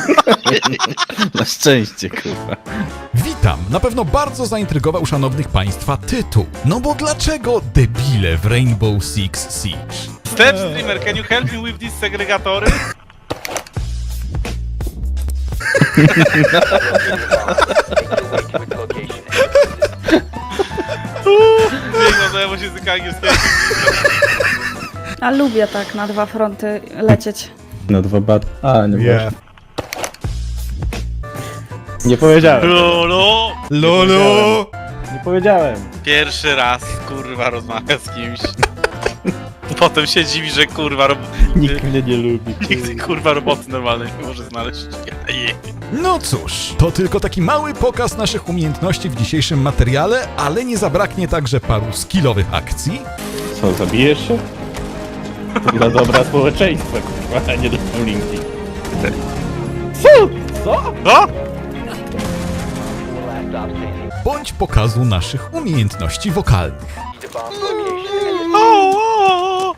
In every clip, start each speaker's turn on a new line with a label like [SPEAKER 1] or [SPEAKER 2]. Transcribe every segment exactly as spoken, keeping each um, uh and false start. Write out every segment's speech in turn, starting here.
[SPEAKER 1] Na szczęście, kurwa.
[SPEAKER 2] Witam! Na pewno bardzo zaintrygował szanownych państwa tytuł. No bo dlaczego debile w Rainbow Six Siege?
[SPEAKER 3] Step streamer, can you help me with these segregatory? Nie no, bo się języka angielskiego.
[SPEAKER 4] A lubię tak na dwa fronty lecieć.
[SPEAKER 1] Na dwa bat... A, nie
[SPEAKER 2] Yeah.
[SPEAKER 1] Nie powiedziałem.
[SPEAKER 3] Lolo!
[SPEAKER 2] Lolo!
[SPEAKER 1] Nie powiedziałem.
[SPEAKER 3] Pierwszy raz, kurwa, rozmawia z kimś. Potem się dziwi, że kurwa, rob...
[SPEAKER 1] Nikt mnie nie lubi.
[SPEAKER 3] nikt kurwa roboty normalnej nie może znaleźć. Je.
[SPEAKER 2] No cóż, to tylko taki mały pokaz naszych umiejętności w dzisiejszym materiale, ale nie zabraknie także paru skillowych akcji.
[SPEAKER 1] Co, zabijesz się? To dla dobra społeczeństwa, kurwa, a nie dla linki. Co? Co?
[SPEAKER 3] No?
[SPEAKER 2] Bądź pokazu naszych umiejętności wokalnych.
[SPEAKER 3] O, o, o,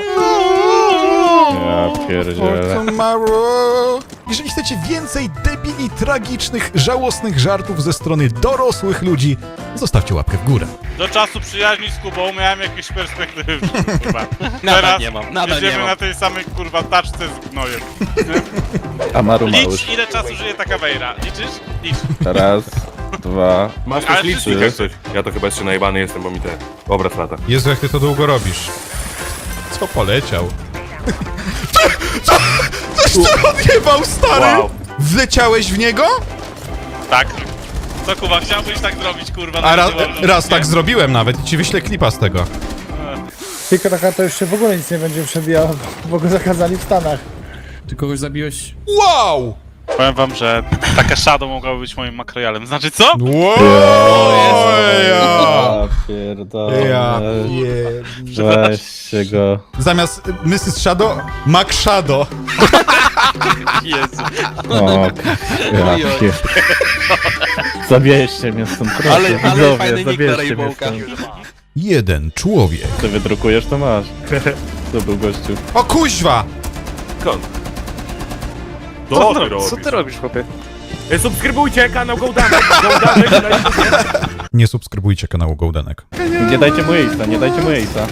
[SPEAKER 1] Ja pierdzielę.
[SPEAKER 2] Tomorrow. Jeżeli chcecie więcej debili, tragicznych, żałosnych żartów ze strony dorosłych ludzi, zostawcie łapkę w górę.
[SPEAKER 3] Do czasu przyjaźni z Kubą miałem jakieś perspektywy, kurwa. Teraz
[SPEAKER 5] nie mam, nadal
[SPEAKER 3] jedziemy
[SPEAKER 5] nie mam.
[SPEAKER 3] na tej samej kurwa taczce z gnojem.
[SPEAKER 1] Amaru
[SPEAKER 3] Licz
[SPEAKER 1] Małysz.
[SPEAKER 3] ile czasu żyje taka wejra. Liczysz? Licz.
[SPEAKER 1] Raz, dwa...
[SPEAKER 6] Masz
[SPEAKER 3] Ale
[SPEAKER 6] też licznik
[SPEAKER 3] wszyscy-
[SPEAKER 6] jak coś. Ja to chyba jeszcze najebany jestem, bo mi te obraz lata.
[SPEAKER 2] Jezu, jak ty to długo robisz. Co poleciał? Co? Co? Coś ty odjebał, stary!
[SPEAKER 6] Wow.
[SPEAKER 2] Wleciałeś w niego?
[SPEAKER 3] Tak. Co Kuba, chciałbyś tak zrobić, kurwa?
[SPEAKER 2] A ra,
[SPEAKER 3] na
[SPEAKER 2] raz
[SPEAKER 3] nie?
[SPEAKER 2] tak zrobiłem nawet i ci wyślę klipa z tego.
[SPEAKER 7] Tylko taka to już się w ogóle nic nie będzie przebijał, bo go zakazali w Stanach.
[SPEAKER 5] Ty kogoś zabiłeś?
[SPEAKER 2] Wow!
[SPEAKER 3] Powiem wam, że taka shadow mogłaby być moim makrojalem. Znaczy co?
[SPEAKER 2] Wow! Ja
[SPEAKER 1] Ja pierdolę.
[SPEAKER 2] Ja pier...
[SPEAKER 1] Weźcie go.
[SPEAKER 2] Zamiast missus Shadow, Mac Shadow.
[SPEAKER 3] Jezu.
[SPEAKER 1] O, ja pier... Zabierzcie mnie stąd, proszę.
[SPEAKER 5] Ale- ale
[SPEAKER 1] widzowie,
[SPEAKER 5] fajny nick na
[SPEAKER 1] zabierzcie mnie
[SPEAKER 5] Rainbowka.
[SPEAKER 1] stąd.
[SPEAKER 2] Jeden człowiek.
[SPEAKER 1] Co wydrukujesz, to masz. To był gościu.
[SPEAKER 2] O kuźwa!
[SPEAKER 6] Skąd? Co ty robisz?
[SPEAKER 5] Co ty robisz, chłopie?
[SPEAKER 6] E, Subskrybujcie kanał Gołdanek, Gołdanek na YouTubie.
[SPEAKER 2] Nie subskrybujcie kanału Goldenek.
[SPEAKER 1] Nie dajcie mu jejca, nie dajcie mu jejca.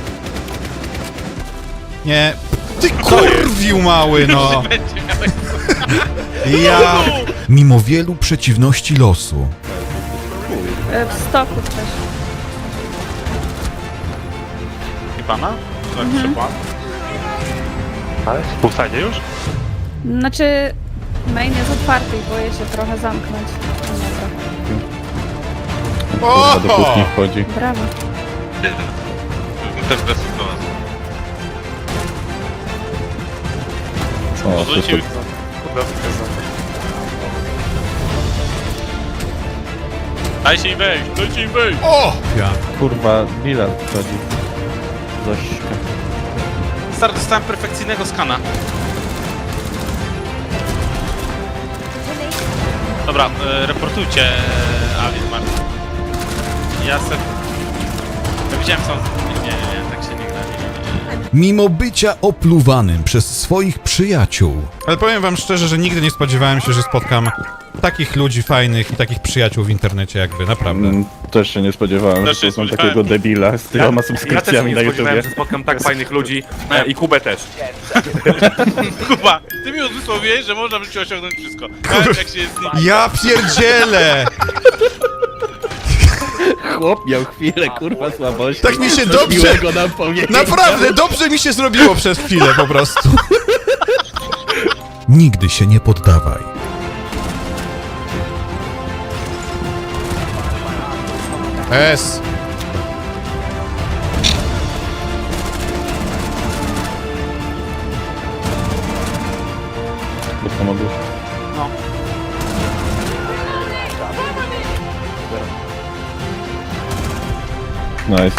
[SPEAKER 2] Nie. Ty kurwiu mały, no!
[SPEAKER 3] Będzie miał
[SPEAKER 2] Ja... Mimo wielu przeciwności losu,
[SPEAKER 4] E, W stoku też.
[SPEAKER 3] pana? Mhm. Ale? W ustadzie już?
[SPEAKER 4] Znaczy, main jest otwarty i boję się trochę zamknąć. No dobra.
[SPEAKER 1] Kurwa, do kuchni wchodzi.
[SPEAKER 4] Brawo.
[SPEAKER 3] Też bez
[SPEAKER 1] O,
[SPEAKER 3] Odwrócił.
[SPEAKER 1] super.
[SPEAKER 3] Dajcie im wejść, dajcie im wejść!
[SPEAKER 2] O! Ja.
[SPEAKER 1] Kurwa, Bilal wchodzi. Zośka.
[SPEAKER 3] Stary, dostałem perfekcyjnego skana. Dobra, e, reportujcie e, Alien Martin. Ja se... Ja widziałem sam... Nie, nie, nie, tak się nie gra, nie, nie, nie.
[SPEAKER 2] Mimo bycia opluwanym przez swoich przyjaciół. Ale powiem wam szczerze, że nigdy nie spodziewałem się, że spotkam takich ludzi fajnych i takich przyjaciół w internecie jak wy, naprawdę.
[SPEAKER 1] Mm, też się nie spodziewałem,
[SPEAKER 3] Też
[SPEAKER 1] że
[SPEAKER 3] się
[SPEAKER 1] poznam
[SPEAKER 3] spodziewałem.
[SPEAKER 1] takiego debila z tyloma
[SPEAKER 6] Ja też
[SPEAKER 1] subskrypcjami
[SPEAKER 6] nie
[SPEAKER 1] na
[SPEAKER 6] spodziewałem,
[SPEAKER 1] YouTubie.
[SPEAKER 6] że spotkam tak fajnych ludzi. E, I Kubę też.
[SPEAKER 3] Kuba, ty mi uzmysłowiłeś, że można w życiu osiągnąć wszystko. Nawet jak się jest...
[SPEAKER 2] Ja pierdzielę!
[SPEAKER 1] Chłop miał chwilę, kurwa, słabości.
[SPEAKER 2] Tak mi się
[SPEAKER 1] Coś
[SPEAKER 2] dobrze-
[SPEAKER 1] miłego nam powiedział.
[SPEAKER 2] Naprawdę, dobrze mi się zrobiło przez chwilę po prostu. Nigdy się nie poddawaj. S.
[SPEAKER 1] Bo pomogłeś.
[SPEAKER 3] No.
[SPEAKER 1] Nice.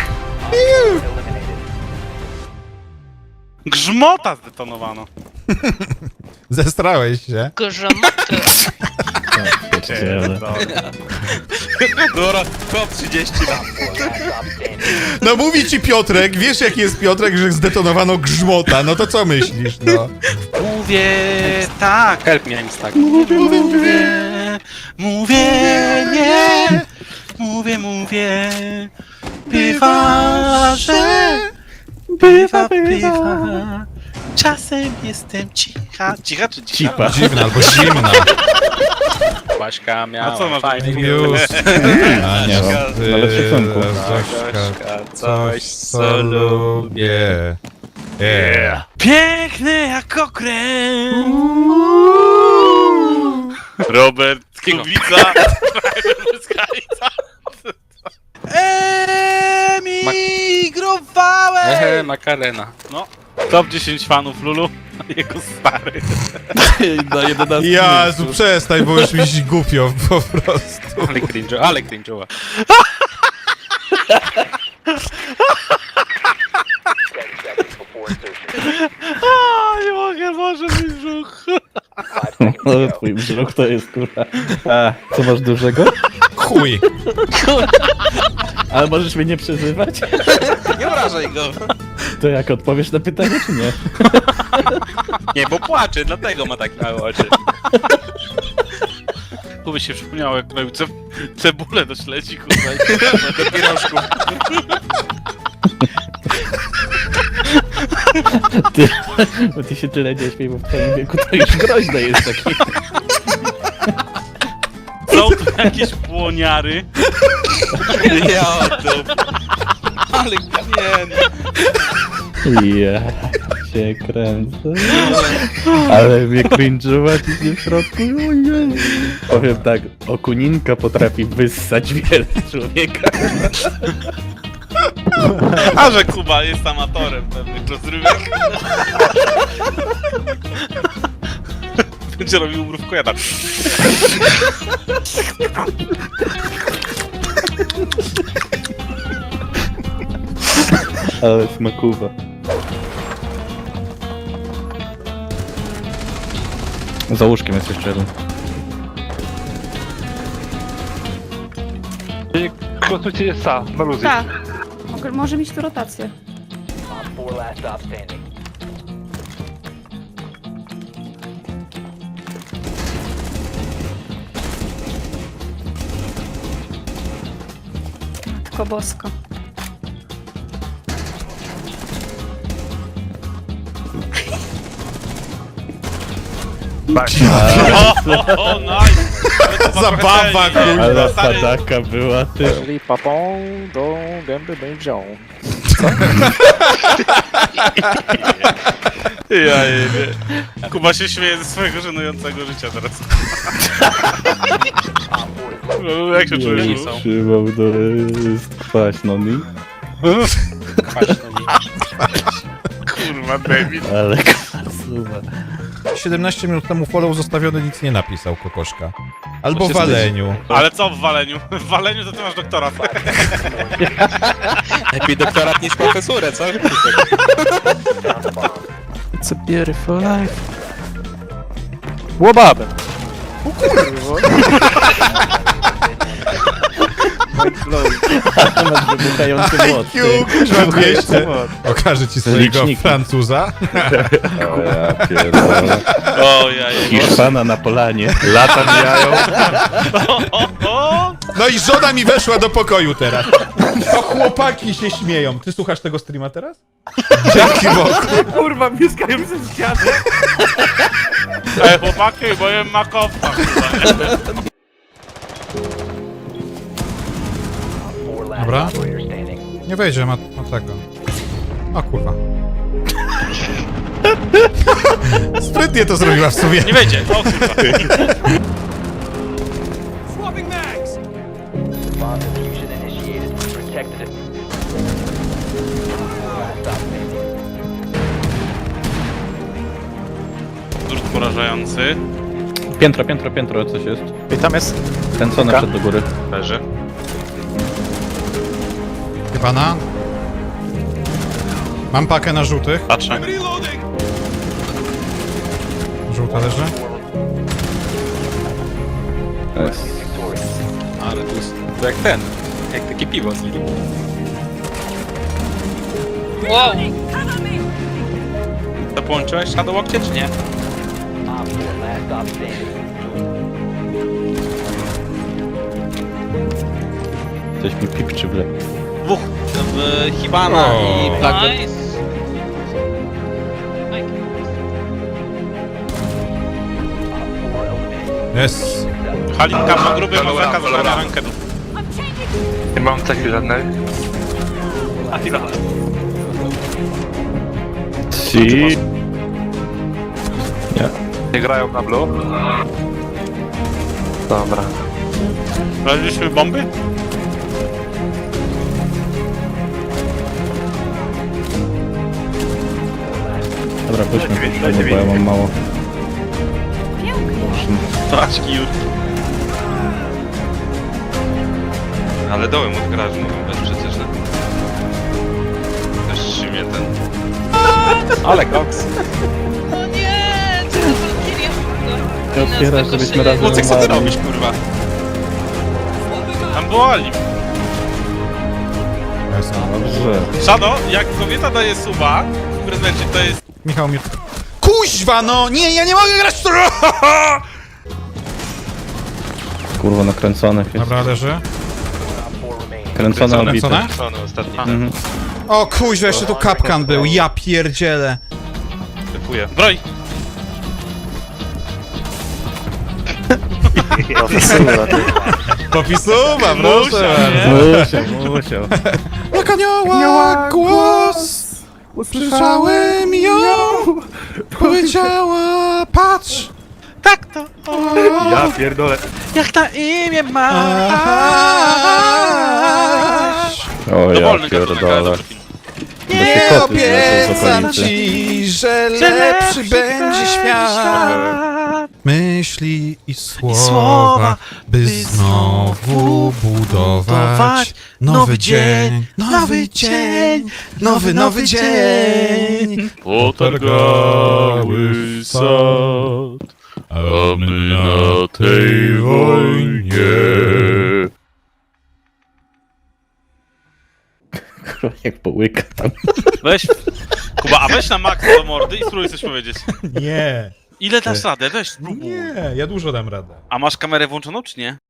[SPEAKER 3] Grzmota zdetonowano.
[SPEAKER 2] Zestrałeś się.
[SPEAKER 8] Grzomoty.
[SPEAKER 1] Pierdziele.
[SPEAKER 5] Dobra, top trzydzieści lat.
[SPEAKER 2] No mówi ci Piotrek, wiesz jaki jest Piotrek, że zdetonowano grzmota, no to co myślisz, no?
[SPEAKER 3] mówię tak.
[SPEAKER 5] Help me, I'm stuck.
[SPEAKER 3] Mówię, mówię, mówię, nie. Mówię, mówię. Bywa, że... Bywa, bywa. Czasem jestem cicha. Cicha czy cicha?
[SPEAKER 1] Cipa.
[SPEAKER 2] Dziwna albo zimna.
[SPEAKER 5] Baśka miała
[SPEAKER 3] A co masz
[SPEAKER 5] fajny
[SPEAKER 3] na
[SPEAKER 2] Już. A nie,
[SPEAKER 1] Zośka,
[SPEAKER 2] ty,
[SPEAKER 1] ale w szacunku.
[SPEAKER 2] Zośka,
[SPEAKER 5] coś,
[SPEAKER 2] co lubię. Yeah.
[SPEAKER 3] Piękny jak okręt. Robert Kubica. Emigrowałem!
[SPEAKER 5] Ehe, Makarena.
[SPEAKER 3] No, top dziesięć fanów Lulu. Jego stary.
[SPEAKER 1] Na jedenastym
[SPEAKER 2] Jezu,
[SPEAKER 1] miejscu.
[SPEAKER 2] przestań, bo już mi się głupio po prostu.
[SPEAKER 5] Ale cringe'o, ale cringe'owa.
[SPEAKER 3] A, nie mogę, może mi brzuch.
[SPEAKER 1] No, twój wzrok to jest kurwa. A, co masz dużego?
[SPEAKER 2] Chuj.
[SPEAKER 1] Ale możesz mnie nie przezywać?
[SPEAKER 5] Nie obrażaj go.
[SPEAKER 1] To jak odpowiesz na pytanie, czy nie?
[SPEAKER 5] Nie, bo płacze, dlatego ma tak małe oczy.
[SPEAKER 3] Tu by się przypomniało, jak robił ce cebulę do śledzi, kurwa.
[SPEAKER 5] Do pierożku.
[SPEAKER 1] Ty, bo ty się tyle nie śmiej, bo w twoim wieku to już groźne jest taki.
[SPEAKER 3] Są tu jakieś błoniary.
[SPEAKER 5] Ja to. Ale nie,
[SPEAKER 1] Ja się kręcę. Ale mnie cringe'ować idzie w środku. Ojej. Powiem tak, okuninka potrafi wyssać wiele człowieka.
[SPEAKER 3] A że Kuba jest amatorem pewnych rozrywek. Będzie robił mrówkojada.
[SPEAKER 1] Ale smakuwa. Za łóżkiem jest jeszcze jeden.
[SPEAKER 6] Konstrukcja jest ta, na luzie.
[SPEAKER 4] Tak. Mogę- Może mieć tu rotację. Matko bosko.
[SPEAKER 3] O, o, nice!
[SPEAKER 2] Zabawa, kurwa.
[SPEAKER 1] Ale sadaka była ty.
[SPEAKER 6] Czyli papą do gęby będzie.
[SPEAKER 3] Ja jebie. Kuba się śmieje ze swojego żenującego życia teraz. No, jak się czujesz?
[SPEAKER 1] Nie
[SPEAKER 3] Lu?
[SPEAKER 1] trzymał do jest kwaśno mi.
[SPEAKER 3] Kurwa, David.
[SPEAKER 1] Ale kwasuwa.
[SPEAKER 2] siedemnaście minut temu follow zostawiony nic nie napisał, kokoszka. Albo w
[SPEAKER 5] się
[SPEAKER 2] waleniu.
[SPEAKER 3] Ale co w waleniu? W waleniu to ty masz doktorat.
[SPEAKER 5] Lepiej doktorat niż profesurę, co?
[SPEAKER 6] It's a beautiful life. Łobabem.
[SPEAKER 1] Masz wybuchający młot. ty.
[SPEAKER 2] Mam dwieście. Okaże ci swojego
[SPEAKER 1] Liczniki.
[SPEAKER 2] Francuza.
[SPEAKER 1] O ja pierdolę.
[SPEAKER 3] O, ja jebie.
[SPEAKER 1] Hiszpana na polanie.
[SPEAKER 6] Lata mijają.
[SPEAKER 3] O, o, o!
[SPEAKER 2] No i żona mi weszła do pokoju teraz. O, chłopaki się śmieją. Ty słuchasz tego streama teraz? Dzięki Bogu.
[SPEAKER 6] Kurwa, mieszkają ze ściany.
[SPEAKER 3] Ej, chłopaki, bo jem makowca, kurwa.
[SPEAKER 2] Dobra. Nie wejdzie, ma, ma tego. O kurwa. Sprytnie to zrobiła w sumie.
[SPEAKER 3] Nie wejdzie, o kurwa. Durt porażający.
[SPEAKER 1] Piętro, piętro, piętro, coś jest.
[SPEAKER 6] I tam jest.
[SPEAKER 1] Kręcone przed do góry.
[SPEAKER 3] Leży.
[SPEAKER 2] Pana. Mam pakę na żółtych.
[SPEAKER 3] Patrzę.
[SPEAKER 2] Żółta leży.
[SPEAKER 1] Jest.
[SPEAKER 5] Ale to jest to jak ten. Jak takie piwo z nim.
[SPEAKER 3] Wow!
[SPEAKER 5] To połączyłeś na do łokcie, czy nie?
[SPEAKER 1] Coś mi pipczy w le...
[SPEAKER 5] Dwóch. e, Hibana
[SPEAKER 2] O.
[SPEAKER 5] i Blackbird.
[SPEAKER 2] Jest.
[SPEAKER 3] Halinka ma gruby, ma zakaz brania rankedów.
[SPEAKER 5] Nie mam takich żadnej.
[SPEAKER 1] Si... Nie.
[SPEAKER 5] Nie grają na blue? Dobra.
[SPEAKER 3] Sprawdziliśmy bomby?
[SPEAKER 1] Dobra, pójdźmy po przodu, bo ja mam mało.
[SPEAKER 3] Paczki już. Ale dołem od garażu mogą być przecież, no. Też trzymie ten.
[SPEAKER 5] Ale koks.
[SPEAKER 8] No nie, co to za Kirill?
[SPEAKER 1] Ty otwierasz, żebyśmy razem
[SPEAKER 3] Łucek, co ty
[SPEAKER 1] umarli.
[SPEAKER 3] robisz, kurwa? Tam było Ali.
[SPEAKER 2] Jest.
[SPEAKER 1] Dobrze.
[SPEAKER 3] Szano, jak kobieta daje suba w prezencie, to jest...
[SPEAKER 2] Michał mnie... Kuźwa, no! Nie, ja nie mogę grać w to!
[SPEAKER 1] Kurwa, nakręcone jest.
[SPEAKER 2] Dobra, leży.
[SPEAKER 1] Kręcone odbite.
[SPEAKER 2] Kręcone?
[SPEAKER 3] Szano, ostatni.
[SPEAKER 1] Mhm.
[SPEAKER 2] O kuźwa, jeszcze tu kapkan był, ja pierdzielę.
[SPEAKER 3] Typuję. Broj!
[SPEAKER 2] Popisuwa, proszę.
[SPEAKER 1] Musiał, musiał.
[SPEAKER 2] Jak anioła głos, usłyszałem ją, powiedziała, patrz.
[SPEAKER 3] Tak to!
[SPEAKER 6] Ja pierdolę.
[SPEAKER 3] Jak na imię ma!
[SPEAKER 1] O ja
[SPEAKER 3] Dowolny gatunek, ale
[SPEAKER 1] pierdolę.
[SPEAKER 3] dobry film.
[SPEAKER 2] Nie
[SPEAKER 1] koty zlecą z
[SPEAKER 2] obiecam
[SPEAKER 1] okolicy.
[SPEAKER 2] ci, że lepszy będzie świat. Myśli i słowa, by znowu budować nowy dzień, nowy dzień, nowy, nowy dzień.
[SPEAKER 3] Potargały sad,
[SPEAKER 2] A my na tej wojnie.
[SPEAKER 1] Kurwa, jak połyka tam.
[SPEAKER 3] Weź, Kuba, a weź na maksa do mordy i spróbuj coś powiedzieć.
[SPEAKER 2] Nie,
[SPEAKER 3] Ile dasz radę? Weź, spróbuj.
[SPEAKER 2] nie, ja dużo dam radę.
[SPEAKER 3] A masz kamerę włączoną, czy nie?